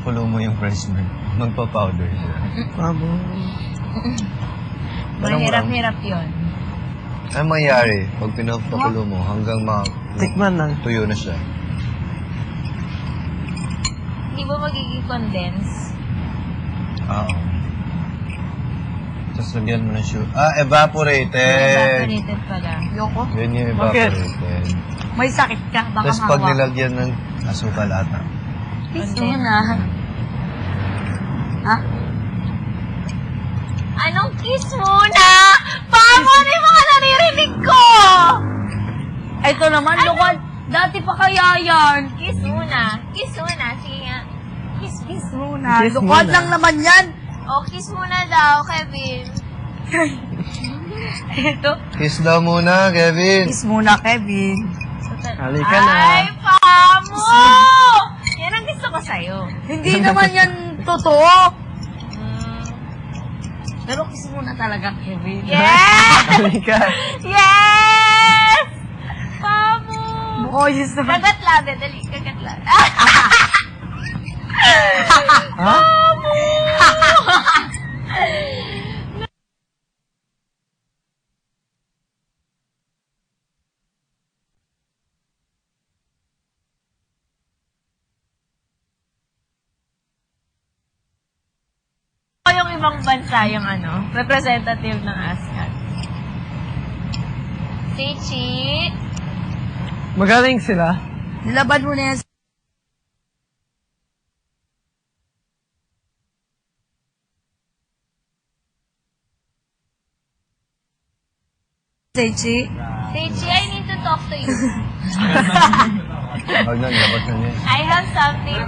pinapakulo mo yung fresh milk, magpa-powder siya. Abo. Mahirap-hirap yun. Ano mangyayari pag pinapakulo mo hanggang Tikman lang. tuyo na siya? Hindi ba magiging condense? Oo. Tapos lagyan mo ng sugar. Evaporated. Evaporated pala. Yoko. Yun yung Bakit? evaporated. May sakit ka. Baka Tapos pag mahawa. nilagyan ng asukal ata. Kiss Condense. mo na. Ha? Anong kiss muna? Paano ano yung mga naririnig ko? Ito naman, Lukan. Dati pa kaya yan. Kiss muna. Kiss muna. Sige nga. Kiss, Kiss muna. Kiss Lukan muna. lang naman yan. O, kiss muna daw, Kevin. Ito. Kiss daw muna, Kevin. Kiss muna, Kevin. Halika na. Ay, Pamo! Yan ang gusto ko sa'yo. Hindi naman yan totoo. Mm. Pero kiss muna talaga, Kevin. Yes! Halika. Yes! Pamo! Boys naman. Kagat labi, dali, kagat labi. Ha? Ako yung ibang bansa yung representative ng ASCAT. Si Chi. Magaling sila. Nilaban mo na yan. Seichi. Si Chi, I need to talk to you. Huwag na, labas na niya. I have something.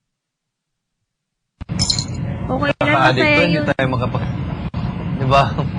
Okay lang Kaka-addict masaya to, hindi yun. tayo Di ba?